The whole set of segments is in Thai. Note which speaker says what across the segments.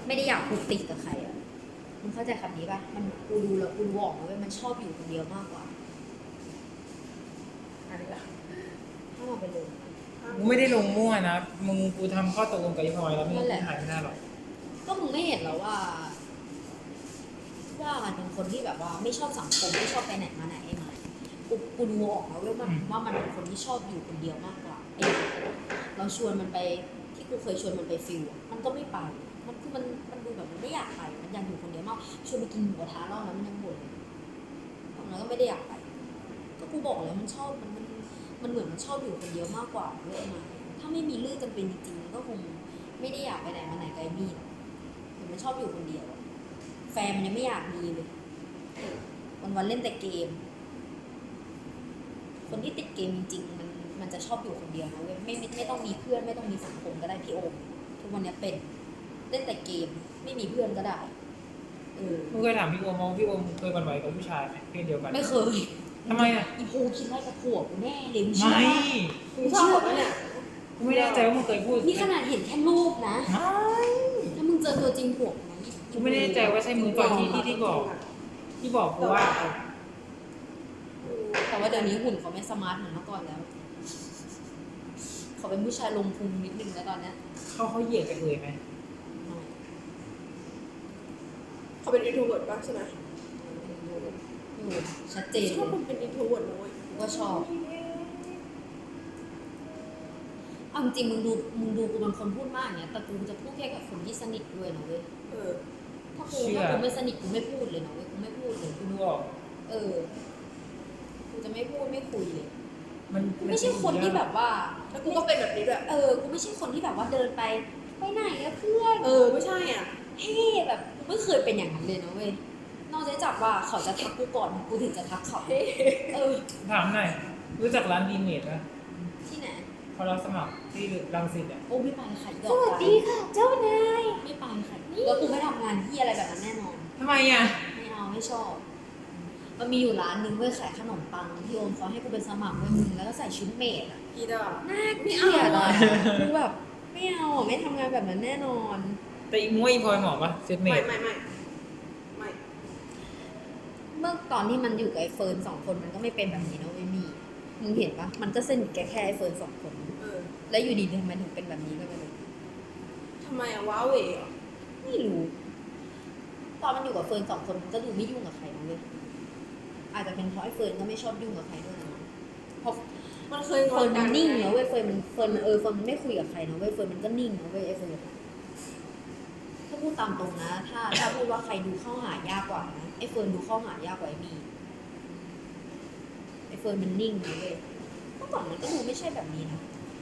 Speaker 1: ไม่ได้อยากผูกติดกับใครอ่ะมึงเข้าใจคำนี้ป่ะมันกูดูแล้วกูบอกเลยมันชอบอยู่คนเดียวมากกว่า
Speaker 2: อะไรล่ะ
Speaker 1: ถ้ามันไปเลย
Speaker 3: กูไม่ได้ลงมั่วนะมึงกูทำข้อตกลงกับยี่พลอยแล้วไม่
Speaker 1: นั่นแหละ
Speaker 3: หายไม่ได้หรอก
Speaker 1: ก็มึงไม่เห็นแล้วว่ามันเป็นคนที่แบบว่าไม่ชอบสังคมไม่ชอบไปไหนมาไหนไอ้มันกูดูออกแล้วว่ามันเป็นคนที่ชอบอยู่คนเดียวมากกว่าไอ้เราชวนมันไปที่กูเคยชวนมันไปฟิลอะมันก็ไม่ไปมันคือมันดูแบบมันไม่อยากไปมันอยากอยู่คนเดียวมากชวนไปกินหมูกระทะรอบนั้นมันยังบ่นเลยตอนนั้นก็ไม่ได้อยากไปก็กูบอกแล้วมันชอบมันเหมือนมันชอบอยู่คนเดียวมากกว่าเว้ยมาถ้าไม่มีเรื่องจำเป็นจริงๆมันก็คงไม่ได้อยากไปไหนมาไหนไกลมีดเหมือนมันชอบอยู่คนเดียวอะแฟนมันยังไม่อยากมีเลยวันๆเล่นแต่เกม คนที่ติดเกมจริงๆมันจะชอบอยู่คนเดียวนะเว้ยไม่ต้องมีเพื่อนไม่ต้องมีสังคมก็ได้พี่โอมทุกวันนี้เป็นเล่นแต่เกมไม่มีเพื่อนก็ได้
Speaker 3: มึงเคยถามพี่โอมว่าพี่โอมเคยหวั่นไหวกับผู้ชายไหมเพศเดียวกัน
Speaker 1: ไม่เคย
Speaker 3: ทำไมอ่ะ
Speaker 1: อีโพคิดไล่กับผัวกูแน่เลย
Speaker 3: ไม่
Speaker 2: มึงชอบไหมเนี่ย
Speaker 3: กูไม่แน่ใจว่ามึงเคยพูด
Speaker 1: นี่ขนาดเห็นแค่รูปนะ
Speaker 3: ไม่
Speaker 1: ถ้ามึงเจอตัวจริงผัวกูนะ
Speaker 3: กูไม่แน่ใจว่าใช่มึงก่อนที่บอกกูว่า
Speaker 1: แต่ว่าเดี๋ยวนี้หุ่นเขาไม่สมาร์ทเหมือนเมื่อก่อนแล้วเขาเป็นผู้ชายลงพุงนิดนึงแล้วตอนเนี้ย
Speaker 3: เขาเหยียดกันเลยไหม
Speaker 1: ไม่
Speaker 2: เขาเป็น introvert ป่ะใช่ไหม
Speaker 1: อยู่ชัดเจน
Speaker 2: ชอบคนเป็น introvert นะเว้ย
Speaker 1: กูก็ชอบ เอาจริงๆมึงดูกูเป็นคนพูดมากเนี่ยแต่กูจะพูดแค่กับคนที่สนิทด้วยนะเว้ย
Speaker 2: เออ
Speaker 1: ถ้ากูไม่สนิทกูไม่พูดเลยนะเว้ยกูไม่พูดเลย
Speaker 3: กูดูออก
Speaker 1: กูจะไม่พูดไม่คุยเลย
Speaker 3: มัน
Speaker 1: กูไม่ใช่คนที่แบบว่า
Speaker 2: แล้วกูก็เป็นแบบนี้ด้วย
Speaker 1: กูไม่ใช่คนที่แบบว่าเดินไปไหนอะเพื่อน
Speaker 2: ไม่ใช่อ่ะ
Speaker 1: เฮ้แบบกูไม่เคยเป็นอย่างนั้นเลยนะเว้ยนอกจากว่าเขาจะทักกูก่อนกูถึงจะทักเขา
Speaker 3: ถามหน่อยรู้จักร้านดีเมดไหม
Speaker 1: ที่ไหน
Speaker 3: เขารับสมัครที่รังสิตอ่ะ
Speaker 1: โอ้ไม่ไปค่ะสวัสดีค่ะ เจ้านายไม่ไปค่ะแล้วกูไม่ทำงานที่อะไรแบบนั้นแน่นอน
Speaker 3: ทำไมอ่ะ
Speaker 1: ไม่เอาไม่ชอบมันมีอยู่ร้านนึงเว้ยขายขนมปังที่โอมเขาให้กูเป็นสมัครเว้ยมึงแล้วก็ใส่ชุดเมดอ่ะ
Speaker 2: อีดอก
Speaker 1: น่าเกลียดอ่ะกูแบบไม่เอาอ่ะไม่ทำงานแบบนั้นแน่นอน
Speaker 3: แต่อีม้วยอีพลอยเหมาะปะเซตเม
Speaker 2: ไม่
Speaker 3: ด
Speaker 1: เมื่อตอนที่มันอยู่กับไอ้เฟิร์นสองคนมันก็ไม่เป็นแบบนี้นะเว้ยมีมึงเห็นปะมันก็สนิทแค่ไอ้เฟิร์นสองคน แล้วอยู่ดีทำไมถึงเป็นแบบนี้ก็ไม่รู้
Speaker 2: ทำไมอะว้าเหวเหรอ
Speaker 1: ไม่รู้ ตอนมันอยู่กับเฟิร์นสองคนมันก็ดูไม่ยุ่งกับใครนะเว้ยอาจจะเป็นเพราะไอ้เฟิร์นก็ไม่ชอบยุ่งกับใครด้วยนะเพราะ
Speaker 2: มันเคยง
Speaker 1: เฟิ
Speaker 2: อ
Speaker 1: ร์
Speaker 2: น
Speaker 1: น
Speaker 2: กั
Speaker 1: มัน นนิ่งนะเว้ยเฟิร์นมันไม่คุยกับใครนะเว้ยเฟิร์นมันก็นิ่งนะเว้ยไอ้เฟิร์นถ้าพูดตามตรงนะ ถ้าพูดว่าใครดูเข้าหายากกว่านะไอ้เฟิร์นดูเข้าหายากกว่าไอ้มีไอ้เฟิร์นมันนิ่งนะเว้ยเมื่อก่อนมันก็ดูไม่ใช่แบบนี้นะ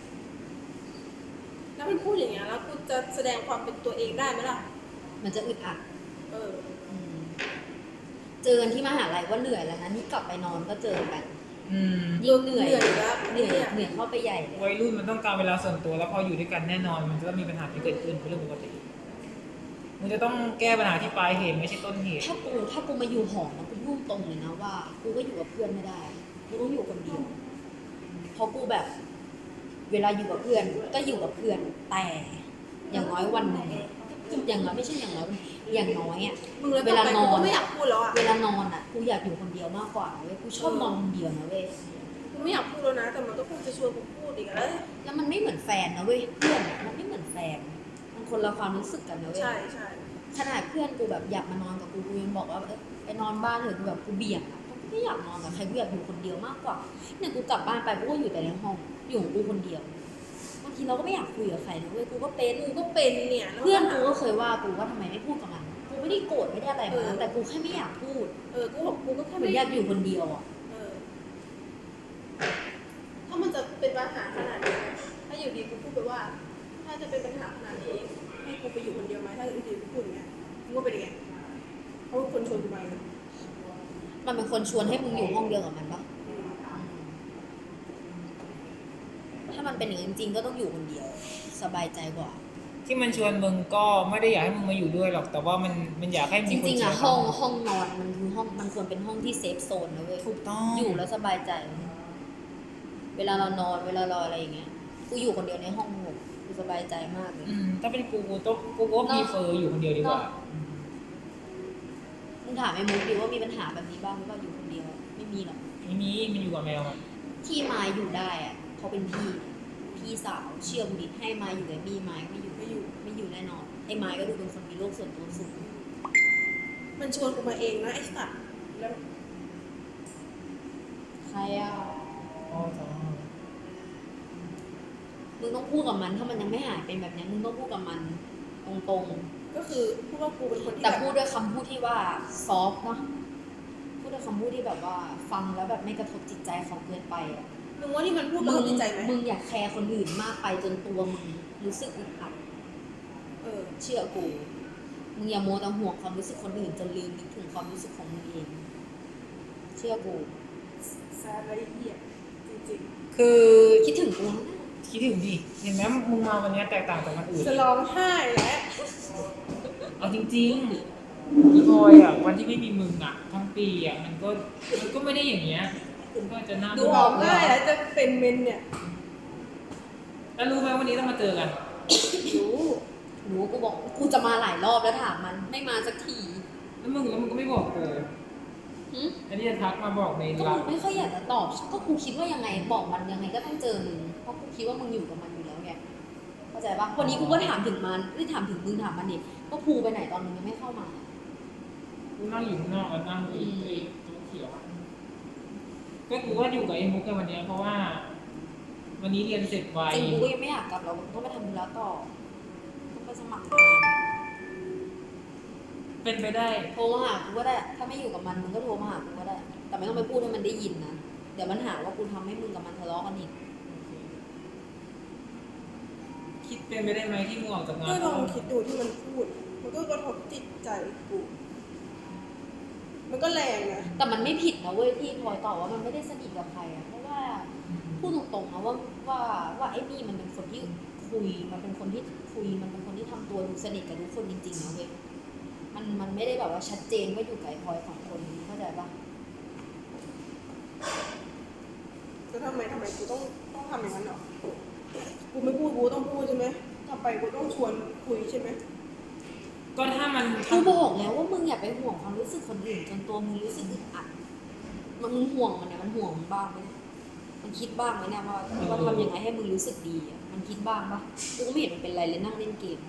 Speaker 2: แล้วมันพูดอย่างเงี้ยแล้วกูจะแสดงความเป็นตัวเองได้ไหมล่ะ
Speaker 1: มันจะอึดอัด
Speaker 2: เออ
Speaker 1: เจอกันที่มหาลัยก็เหนื่อยแล้วนะนี่กลับไปนอนก็เจอกัน
Speaker 3: อืม
Speaker 1: ยิ่งเหนื่อย
Speaker 2: อยู่แล้ว
Speaker 1: เหนื่อยเข้าไปใหญ่เลย
Speaker 3: วัยรุ่นมันต้องการเวลาส่วนตัวแล้วพออยู่ด้วยกันแน่นอนมันจะต้องมีปัญหาที่เกิดขึ้นเป็นเรื่องปกติมันจะต้องแก้ปัญหาที่ปลายเหตุไม่ใช่ต้นเหตุ
Speaker 1: ถ้ากูมาอยู่หอนะกูพูดตรงเลยนะว่ากูก็อยู่กับเพื่อนไม่ได้กูต้องอยู่คนเดียวเพราะกูแบบ เวลาอยู่กับเพื่อนก็อยู่กับเพื่อนแต่อย่างน้อยวันหนึงอย่างน้อยไม่ใช่อย่างน้อยอย่างน้อยอ่ะ
Speaker 2: มึงแล้ว
Speaker 1: เว
Speaker 2: ต่อ
Speaker 1: ลา
Speaker 2: ไป
Speaker 1: น
Speaker 2: กู
Speaker 1: อน
Speaker 2: ก็ไม่อยากพูดแล้วอ่ะ
Speaker 1: เวลานอนอ่ะกูอยากอยู่คนเดียวมากกว่าเว้ยกูชอบนอนคนเดียวนะเว้ย
Speaker 2: กูไม่อยากพูดแล้วนะ แต่มันก็คงจะชวนกูพูดอีกแล้ว
Speaker 1: แล้วมันไม่เหมือนแฟนนะเว้ยเพื่อนอะมันไม่เหมือนแฟนมันคนละความรู้สึกกันนะเว้ย
Speaker 2: ใช่ใช่
Speaker 1: ขนาดเพื่อนกูแบบอยากมานอนกับกูยังบอกว่าไปนอนบ้านเถอะกูแบบกูเบี่ยงอะกูไม่อยากนอนกับใครกูอยากอยู่คนเดียวมากกว่าเนี่ยกูกลับบ้านไปกูก็อยู่แต่ในห้องอยู่ของกูคนเดียวบางทีเราก็ไม่อยากคุยกับใครนะเว้ยกูก็เป็น
Speaker 2: กูก็เป็นเนี่ยแล้ว
Speaker 1: เพื่อนกูก็เคยว่ากูว่าทำไมไม่พูดกับมันกูไม่ได้โกรธไม่ได้อะไรมันแต่กูแค่ไม่อยากพูด
Speaker 2: กูบอกกูก็แค่
Speaker 1: เหมือนอยากอยู่คนเดียวอ่ะ
Speaker 2: ถ้ามันจะเป็นปัญหาขนาดนี้ถ้าอยู่ดีกูพูดไปว่า ถ้าจะเป็นปัญหาขนาดนี้ให้กูไปอยู่คนเดียวไหมถ้าอยู่ดีกูพูดอย่างเงี้ยมึงว่าเป็นยังไงเขาเป็นคนชวนกูไปนะ
Speaker 1: มันเป็นคนชวนให้มึงอยู่ห้องเดียวกับมันปะถ้ามันเป็นอย่างนั้นจริงๆก็ต้องอยู่คนเดียว สบายใจกว่า
Speaker 3: ที่มันชวนมึงก็ไม่ได้อยากให้มึงมาอยู่ด้วยหรอกแต่ว่ามันอยากให้
Speaker 1: จ
Speaker 3: มีคน
Speaker 1: ริงๆ
Speaker 3: ชว
Speaker 1: อะ
Speaker 3: น
Speaker 1: ห้องนอนมันคือห้องมันควรเป็นห้องที่เซฟโซนนะเว้ย
Speaker 3: ถูกต้อง
Speaker 1: อยู่แล้วสบายใจ เวลาเรานอนเวลาเราอะไรอย่างเงี้ยกูอยู่คนเดียวในห้องกูสบายใจมากเลย
Speaker 3: ถ้าเป็นกูก็พรีเฟอร์อยู่คนเดียวดีกว่า
Speaker 1: มึงถามไอ้มุกดิว่ามีปัญหาแบบนี้บ้างหรือเปล่าอยู่คนเดียวไม่มีหรอก
Speaker 3: ไม่มีมันอยู่กับแมวอ่ะ
Speaker 1: ที่มายอยู่ได้อะเขาเป็นพี่สาวเชื่อมดิให้มายอยู่กับบี้มายไม่อยู่แน่นอนไอ้มายก็ดูเป็นคนมีโลกส่วนตัวสูง
Speaker 2: มันชวนกูมาเองนะไอ้สัตว์แล้ว
Speaker 1: ใครอ่ะ
Speaker 3: อ๋อจ้า
Speaker 1: มึงต้องพูดกับมันถ้ามันยังไม่หายเป็นแบบนี้มึงต้องพูดกับมันตรง
Speaker 2: ก็คือพูดว่ากูเป็นคน
Speaker 1: ๆ
Speaker 2: ที่
Speaker 1: แต่
Speaker 2: แบบ
Speaker 1: พูดด้วยคำพูดที่ว่าซอฟต์เนาะพูดด้วยคำพูดที่แบบว่าฟังแล้วแบบไม่กระทบจิตใจเขาเกินไปอ่ะ
Speaker 2: มึงว่านี่มันพูดกับจิตใจไหม
Speaker 1: มึงอยากแคร์คนอื่นมากไปจนตัวมึงรู้สึกอึดอัด
Speaker 2: เออ
Speaker 1: เชื่อกู มึงอย่าโมวแต่ห่วงความรู้สึกคนอื่นจนลืมนึกถึงความรู้สึกของมึงเอง เชื่อกู
Speaker 2: แซดและเหี้ยจริง
Speaker 1: คือคิดถึงกูนะ
Speaker 3: คิดถึงดิเห็นไหมมึงมาวันนี้แตกต่างจากวันอื่น
Speaker 2: ๆจะร้องไห้แล้ว
Speaker 3: เอาจริงๆพี่พลอยอ่ะวันที่ไม่มีมึงอ่ะทั้งปีอ่ะมันก็ไม่ได้อย่างเงี้ยคุณก็จะน่า
Speaker 2: ดูร้องไห้แล้วจะเป็นเมนเนี่ย
Speaker 3: แล้วรู้ไหมวันนี้ต้องมาเจอกัน
Speaker 1: หนูกูบอกกูจะมาหลายรอบแล้วถามมันไม่มาสักที
Speaker 3: แล้วมึงก็ไม่บอกกู
Speaker 1: หึ
Speaker 3: อันนี้จะทักมาบอกใน
Speaker 1: ก็
Speaker 3: ไล
Speaker 1: มึง
Speaker 3: น์
Speaker 1: ไม่ค่อยอยากจะตอบ ก็กูคิดว่ายังไงบอกมันยังไงก็ต้องเจอมึง เพราะกูคิดว่ามึงอยู่กับมันอยู่แล้วไง เข้าใจปะวันนี้กูก็ถามถึงมันไม่ถามถึงมึงถามมันดิว่าภูไปไหนตอนมึงยังไม่เข้ามา
Speaker 3: กูนั่งอยู่ข้างนอกแล้วนั่งไอ้ตัวเขียวอะก็กูว่าอยู่กับไอ้มุกกันวันเนี้ยเพราะว่า วันนี้เรียนเสร็จไว
Speaker 1: จริงกูก็ยังไม่อยากกลับเราต้องไปทำธุระต่อต้องไปสมัครงาน
Speaker 3: เป็นไปได้
Speaker 1: โทรมาหากูก็ได้ ถ้าไม่อยู่กับมันมึงก็โทรมาหากูก็ได้ แต่ไม่ต้องไปพูดให้มันได้ยินนะ เดี๋ยวมันหาว่ากูทำให้มึงกับมันทะเลาะกันอีก
Speaker 3: คิดเป็นไปได้ไหมที่มึงออกจากงา
Speaker 2: ก็
Speaker 3: น
Speaker 2: ลองคิดดูที่มันพูด มันก็กระทบจิตใจกู มันก็แรงนะ
Speaker 1: แต่มันไม่ผิดนะเว้ยที่พลอยตอบว่ามันไม่ได้สนิทกับใครอะเพราะว่าพูดตรงๆนะว่าไอ้นี่มันเป็นคนที่คุย มันเป็นคนที่คุย มันเป็นคนที่ทำตัวดูสนิทกับทุกคนจริงๆนะเว้ย มันไม่ได้แบบว่าชัดเจนว่าอยู่กับไอ้พลอยสองคนเข้าใจปะ
Speaker 2: แล้วทำไมกูต้องทำอย่างนั้นเหรอ กูไม่พูดกูต้องพูดใช่ไหมต่อไปกูต้องชวนคุยใช่ไหม
Speaker 3: ก็ถ้ามัน
Speaker 1: กูบอกแล้วว่ามึงอย่าไปห่วงความรู้สึกคนอื่นจนตัวมึงรู้สึกอึดอัดมึงห่วงมันเนี่ยมันห่วงมึงบ้างไหมเนี่ยมันคิดบ้างไหมเนี่ยว่าทำยังไงให้มึงรู้สึกดีอะมันคิดบ้างปะกูก็ไม่เห็นมันเป็นไรเลยนั่งเล่นเกม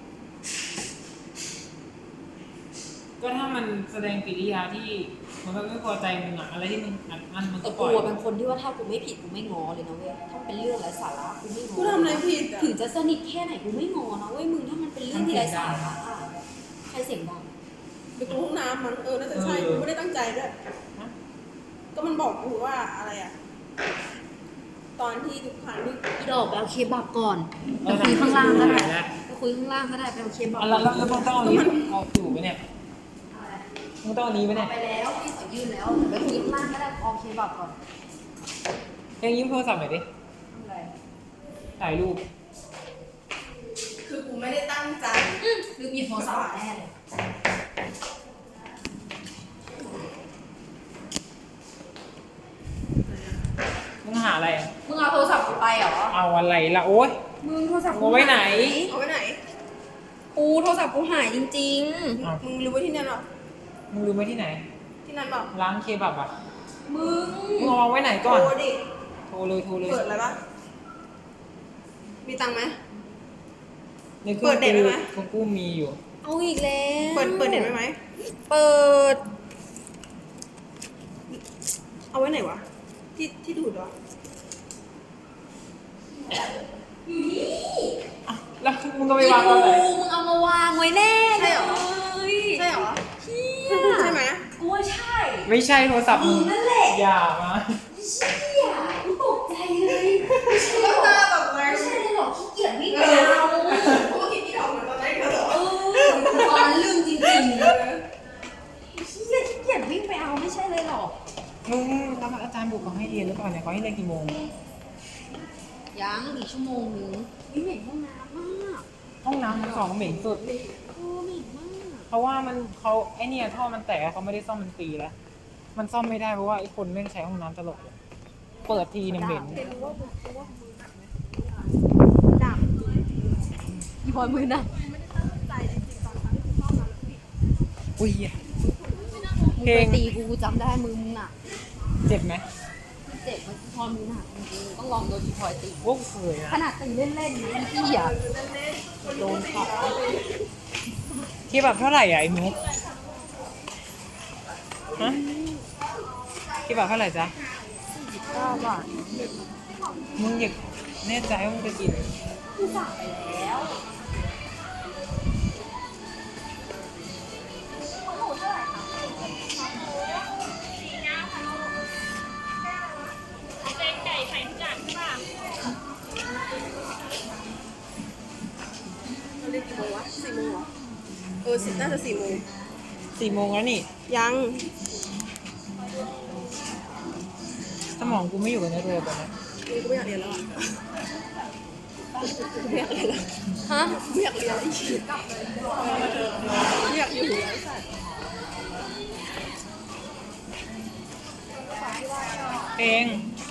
Speaker 3: ก็ถ้ามันแสดงกิริยาที่มันก็ไม่พอใจมึงอะอะไรที่มึงอัดอั้นมันก็
Speaker 1: แต่
Speaker 3: ปล่
Speaker 1: กู
Speaker 3: อย
Speaker 1: เป็นคนที่ว่าถ้ากูไม่ผิดกูไม่ง้อเลยนะเว้ยถ้ามันเป็นเรื่องไร้สาระกูไม่ง้อ
Speaker 2: กูทำอะไรผิดอ่ะ
Speaker 1: ถึงจะสนิทแค่ไหนกูไม่ง้อนะเว้ยมึงถ้ามันเป็นเรื่องที่ไร้สาระอะใครเสียงดัง
Speaker 2: ไปกูห้องน้ำมันน่าจะใช่กูไม่ได้ตั้งใจด้วย
Speaker 3: ฮะ
Speaker 2: ก็มันบอกกูว่าอะไรอ่ะ ตอนที่ทุกครั้งที่
Speaker 1: อีดอกไปเอาเคบับก่อน
Speaker 3: เอ
Speaker 1: ไป
Speaker 3: อ
Speaker 1: คุยข้างล่างก็ได้
Speaker 3: แล้ว
Speaker 1: ไปคุยข้างล่างก็ได้ไปเอาเคบับ
Speaker 3: แล้วมึงต้องเอาอันนี้เอาอยู่ไหมเนี่ยมึงต้องเอาอันนี้ไหม
Speaker 1: เอา
Speaker 3: เนี่ย
Speaker 1: ไปแล้วพี่ขอยื่นแล้วไปคุยข้างล่างก็ได้เอาเคบับก่อน
Speaker 3: ยังยิ้มโทรศัพท์หน่อยดิ
Speaker 1: อะไร
Speaker 3: ถ่ายรูป
Speaker 2: คือกูไม่ได้ตั้งใจ
Speaker 1: ลืมหยิบโทรศัพท์แน่เลย
Speaker 3: มึงหาอะไรอะ
Speaker 1: มึงเอาโทรศัพท์กูไปเหรอ
Speaker 3: เอาอะไรล่ะโอ๊ย
Speaker 1: มึงโทรศัพท์กู
Speaker 3: เอาไว้ไหน
Speaker 2: เอาไว้ไหน
Speaker 1: กูโทรศัพท์กูหายจริง
Speaker 3: อ้าว
Speaker 2: มึงรู้ไว้ที่นั่นหรอ
Speaker 3: มึงรู้ไหมที่ไหน
Speaker 2: ที่นั่นเปล่า
Speaker 3: ร้านเคบับอ่ะ
Speaker 1: ๆ มึง
Speaker 3: มึงเอาไว้ไหนก่อน
Speaker 2: โทรดิ
Speaker 3: โทรเลยโทรเลย
Speaker 2: เปิดอะไรปะมีตังค์ไหม
Speaker 3: ในเครื่อง
Speaker 2: เปิดเน็ตไว้ไหม
Speaker 3: ของกูมีอยู่
Speaker 1: เอาอีกแล้ว
Speaker 2: เปิดเน็ตไว้ไหม
Speaker 1: เปิด
Speaker 2: เอาไว้ไหนวะ ที่ดูดวะ
Speaker 3: อ่ะแล้วมึงก็ไปวางตอนไหน
Speaker 1: มึงเอามาวางไว้แน่เลย
Speaker 2: ใช่เหรอ
Speaker 1: เชี่ย
Speaker 2: ใช่ไหม
Speaker 1: กูว่าใช่
Speaker 3: ไม่ใช่โทรศัพท์
Speaker 1: มึ
Speaker 3: มึ
Speaker 1: ง
Speaker 3: ง
Speaker 1: นั่นแหละ
Speaker 3: อย่ามา
Speaker 1: เชี่ยกูตกใจเลยไม่ใช่หร
Speaker 2: ก็
Speaker 1: อก
Speaker 2: ตาแบบไง
Speaker 1: ไม่ใช่เลยหรอกขี้เกียจวิ่งไปเอา
Speaker 2: กูคิดที่ทำเหมือนตอนแรกเลยเหรอ
Speaker 1: ตอนลืมจริงๆเลยเชี่ยขี้เกียจวิ่งไปเอาไม่ใช่เลยหรอก
Speaker 3: มึงแล้วอาจารย์บุกเขาให้เรียนหรือเปล่าเนี่ยเขาให้เรียนกี่โมง
Speaker 1: ยังอีกชั่วโมงนึงวิ่งเหม็นห้องน้ำมาก
Speaker 3: ห้องน้ำมันสองเหม็นสุด
Speaker 1: เหม็นมาก
Speaker 3: เพราะว่าเขาไอเนี่ยท่อมันแตกเขาไม่ได้ซ่อมเป็นปีแล้ว มันซ่อมไม่ได้เพราะว่าไอคนแม่งใช้ห้องน้ำตลอดเลยเปิดทีเนี่ยเหม็น
Speaker 2: เห็นว่ามึงดับ
Speaker 1: อีพลอยมือหนัก
Speaker 2: ไม่ได้ตั้งใจจริงๆตอนครั้งที่กูเข้ามาแล้วพี่
Speaker 3: อุ้ย
Speaker 1: มึงไปตีกูจำได้มือมึงหนัก
Speaker 3: เจ็บไหม
Speaker 1: เจ็บมันพลอยมือหนักจริงๆต้องลองโดนอีพลอยตี
Speaker 3: โอ้เคย
Speaker 1: ข
Speaker 3: นะ
Speaker 1: นาดตีเล่นๆนะพี่อ่ะโดนขา
Speaker 3: ที่แบบเท่าไหร่อ่ะไอ้มุกฮะที่แบบเท่าไหร่จ๊ะ
Speaker 1: 49 บาท
Speaker 3: มึงอยากแน่ใจว่ามึงจะกิน
Speaker 1: กูสั่งไปแล้ว
Speaker 2: เราเรียกกี่โมงวะ4 โมงเหรอน่าจะ4 โมง
Speaker 3: 4 โมงแล้วนี่
Speaker 2: ยัง
Speaker 3: สมองกูไม่อยู่กับเนื้อตัวตอนนี้
Speaker 2: กูไม่อยากเรียนแล้วอ่ะกูไม่อยากเรียนแล้ว
Speaker 1: ฮะ
Speaker 2: ไม่อยากเรียนแล้วอีกไม่อยากอยู่ไอ้สัตว์
Speaker 3: เอง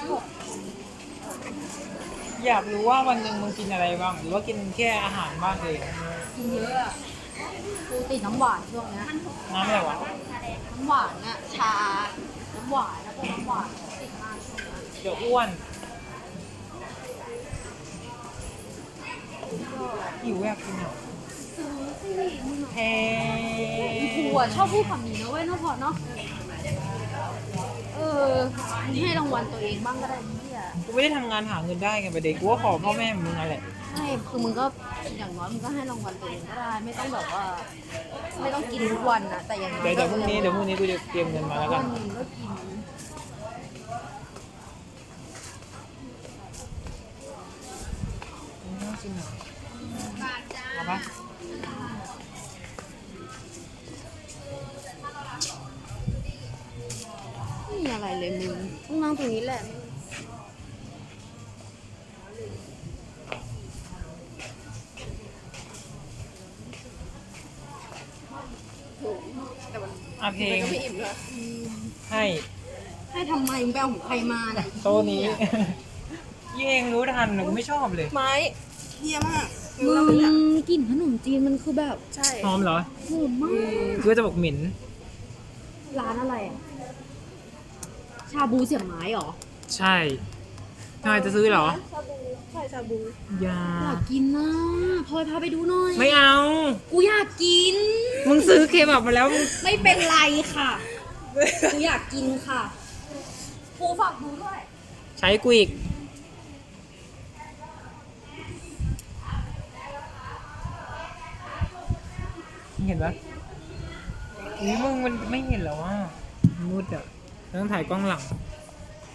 Speaker 3: อยากรู้ว่าวันหนึ่งมึงกินอะไรบ้าง หรือว่ากินแค่อาหารบ้างเลย
Speaker 1: กินเยอะอะกูติดน้ำหวานช่วงเนี้ย
Speaker 3: น้ำอะไรวะ
Speaker 1: น้ำหวานอะชา น้ำหวานแล้วก็น้ำหวานติดมากช่วงนี้
Speaker 3: เดี๋ยวอ้วนหิวอยากกินอ่ะ
Speaker 1: ซื้อสิมึง
Speaker 3: แพ
Speaker 1: กูอะชอบพูดคำนี้นะเว้ยเนาะพอเนาะมึงให้รางวัลตัวเองบ้างก็ได้พี่อะ
Speaker 3: กูไม่ได้ทำงานหาเงินได้ไงประเด็นกูก็ขอพ่อแม่มึงนั่นแหละ
Speaker 1: ไม่คือมึงก็อย่างน้อยมึงก็ให้รางวัลตัวเองก็ได้ ไม่ต้องแบบว่า ไม่ต้องกินทุกวันนะแต่อย่างน้อย
Speaker 3: เดี๋ยวพรุ่งนี้กูจะเตรียมเงินมาแล้วกั
Speaker 1: วัน นหนึ่งก็กิน
Speaker 3: น่ากินอ่ะเอาปะ
Speaker 1: ไม่มีอะไรเลยมึงต้องนั่งตรงนี้แหละ
Speaker 2: แต่มัน
Speaker 3: อ่ะเพลง
Speaker 2: ก็ไม่อิ่มเลย
Speaker 3: ให้
Speaker 1: ให้ทำไมมึงไปเอาของใครมาเนี่ย
Speaker 3: โต๊ะนี้ยี่เองรู้ทันนะกูไม่ชอบเลย
Speaker 2: ไม้เยี่ยมาก
Speaker 1: มึ
Speaker 2: เราไม่อยาก
Speaker 1: งกลิ่นขนมจีนมันคือแบบ
Speaker 2: ใช่
Speaker 3: หอมเหรอ
Speaker 1: หอมมาก
Speaker 3: กูจะบอกเหม็น
Speaker 1: ร้านอะไรอ่ะ ชาบูเสียบไม้เหรอ
Speaker 3: ใช่ทำไมจะซื้อเหรอ
Speaker 2: ชาบูใช่ชาบู
Speaker 3: อย่า
Speaker 1: อยากกินนะพลอยพาไปดูหน่อย
Speaker 3: ไม่เอา
Speaker 1: กูอยากกิน
Speaker 3: มึงซื้อเคบับมาแล้วมึง
Speaker 1: ไม่เป็นไรค่ะ กูอยากกินค่ะกูฝากดูด้วย
Speaker 3: ใช้กูอีก เห็นปะอุ้ยมึงมันไม่เห็นแล้วว่ามืดอ่ะต้องถ่ายกล้องหลัง